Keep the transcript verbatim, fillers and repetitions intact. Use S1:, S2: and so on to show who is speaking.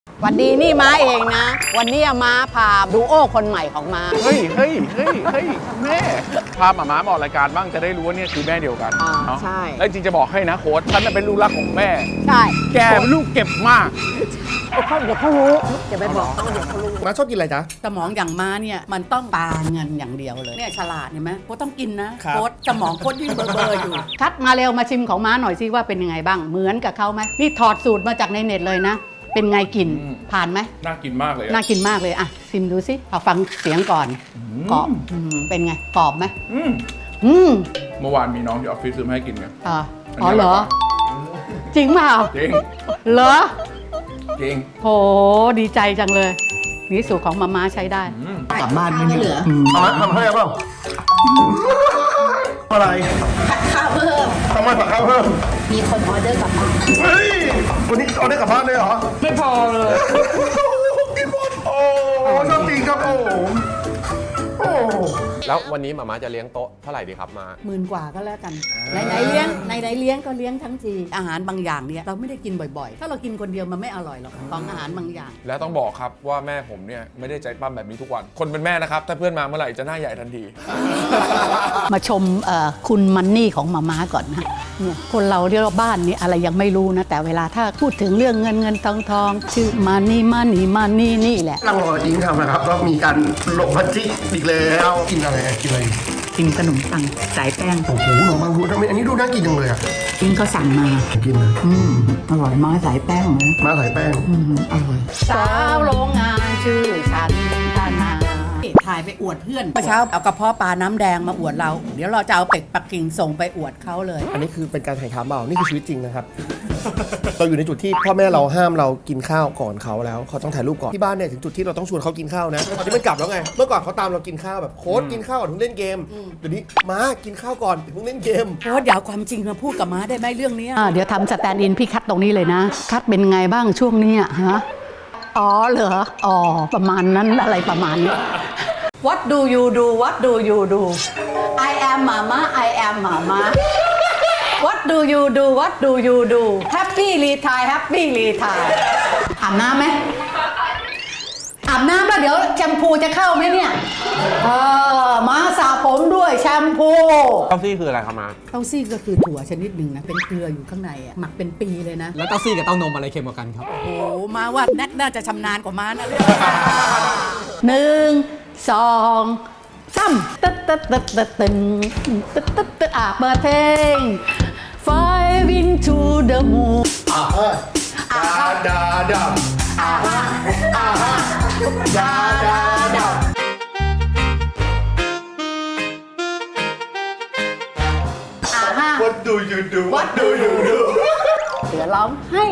S1: วันดีนี่ม้าเองนะ วันนี้ม้าพาดูโอ้คนใหม่ของม้า
S2: เฮ้ยเฮ้ยเฮ้ยเฮ้ยแม่พาหมาม้ามาออกรายการบ้างจะได้รู้ว่าเนี่ยคือแม่เดียวกันเนาะ
S1: ใช่
S2: แล้วจริงจะบอกให้นะโค้ชฉันเป็นลูกรักของแม่
S1: ใช่
S2: แกเป็นลูกเก็บมาก
S1: เขาเดี๋ยวเขารู้เดี๋ยวไปบอกเขาเดี๋ยวเขารู้
S3: ม้าชอบกินอะไรจ๊ะ
S4: สมองอย่างม้าเนี่ยมันต้องปาเงินอย่างเดียวเลยเนี่ยฉลาดเห็นไหมโค้ชต้องกินนะโค้ชสมองโค้ชยิ่งเบอร์เบอร์อยู่
S1: คัดมาเร็วมาชิมของม้าหน่อยซิว่าเป็นยังไงบ้างเหมือนกับเขาไหมนี่ถอดสูตรมาจากในเน็ตเลยนะเป็นไงกินผ่านไหม
S2: น่ากินมากเลย
S1: น่ากินมากเลยอ่ะชิมดูสิเอาฟังเสียงก่อนกรอบอืมเป็นไงกรอบไหม
S2: อืม
S1: อืม
S2: เมื่อวานมีน้องที่ออฟฟิศซื้อมาให้กินไง
S1: อ๋ออ๋อเหรอจริงเปล่า
S2: จริง
S1: เหรอ
S2: จริง
S1: โหดีใจจังเลยนี่สูตรของมาม่าใช้ได้
S3: กลับบ้านไม่เหลือเอาไหมทำให้เปล่าอะไรผัดข้าวเพิ่มทำไมผัดข้าวเพิ่มมีคนออเดอร์กลับบ้านเฮ้ยวันนี้ออเดอร์กลับบ้านเลยเหรอไม่พอเลยกินหมดโอ้ชอบจริงครับโอ้โอ้
S5: แล้ววันนี้หมาม่าจะเลี้ยงโต๊ะเท่าไหร่ดีครับมา
S4: หมื่นกว่าก็แล้วกันไหนไหนๆเลี้ยงไหนไหนๆเลี้ยงก็เลี้ยงทั้งทีอาหารบางอย่างเนี่ยเราไม่ได้กินบ่อยๆ ถ้าเรากินคนเดียวมันไม่อร่อยหรอกของอาหารบางอย่าง
S2: แล้วต้องบอกครับว่าแม่ผมเนี่ยไม่ได้ใจปั้มแบบนี้ทุกวันคนเป็นแม่นะครับถ้าเพื่อนมาเมื่อไหร่จะหน้าใหญ่ทันที
S1: มาชมเอ่อคุณมันนี่ของมาม่าก่อนนะเนี่ยคนเราเรียกว่าบ้านนี้อะไรยังไม่รู้นะแต่เวลาถ้าพูดถึงเรื่องเงินเงินทองทองชื่อมันนี่มันนี่มันนี่นี่แหละ
S3: นั่งรออิงทำนะครับก็มีการลงพันจิอีกแล้วกินอะไรกินอะไร
S1: กินขนมปังสายแป้ง
S3: โอ้โหหนูบางพูทำไมอันนี้ดูน่ากินจังเลยอ่ะ
S1: อิงก็สั่งมา
S3: กินนะ
S1: อืมอร่อยมากสายแป้งนะ
S3: มาใส่แป้ง
S1: อืมอร่อยสาวโรงงานชื่อฉันธนา
S4: ถ่ายไปอวดเพื่อนเมื่อเช้าเอากระเพาะปลาน้ำแดงมาอวดเรา เดี๋ยวเราจะเอาเป็ดปักกิ่งส่งไปอวดเขาเลย
S3: อันนี้คือเป็นการถ่ายทำเปล่านี่คือชีวิตจริงนะครับ เราอยู่ในจุดที่พ่อแม่เราห้ามเรากินข้าวก่อนเขาแล้วเขาต้องถ่ายรูปก่อนที่บ้านเนี่ยถึงจุดที่เราต้องชวนเขากินข้าวนะตอนนี้มันกลับแล้วไงเมื่อก่อนเขาตามเรากินข้าวแบบโค้ดกินข้าวก่อนถึงเล่นเกมเดี๋ยวนี้มากินข้าวก่อนถึงเล่นเกม
S4: โค้ชอย่าเอาความจริงมาพูดกับม้าได้ไหมเรื่องเนี้ย
S1: อ่าเดี๋ยวทำสแตนด์อินพี่คัดตรงนี้เลยนะ คัดเป็นไงบ้างช่วงเนี้ยฮะอ๋อเหรออ๋อประมาณนั้นอะไรประมาณนี้ What do you do What do you do I am mama I am mama What do you do What do you do Happy retire Happy retire อาบน้ำไหมอาบน้ำแล้วเดี๋ยวแชมพูจะเข้าไหมเนี่ยเออมาสระผมด้วยแชมพู
S5: เต้าซี่คืออะไรครับมา
S4: เต้าซี่ก็คือถั่วชนิดหนึ่งนะเป็นเกลืออยู่ข้างในอ่ะหมักเป็นปีเลยนะ
S6: แล้วเต้าซี่กับเต้านมอะไรเค็มกว่ากันครับ
S4: โอ้โหมาว่าแนทน่าจะชำนาญกว่าม้านะ
S1: หนึ่งสองสามตึ๊ดตึ๊ดตึ๊ดตึ๊ดตึ๊ดตึ๊ดตึ๊ดตึ๊ดอ่ะเปิดเพลง Five into the moon
S3: อ่าดาดาดาอ่าอ่าดาดาดา
S1: อ่าฮะ
S3: What do you do What do you do
S1: เดี๋ยวร้องให้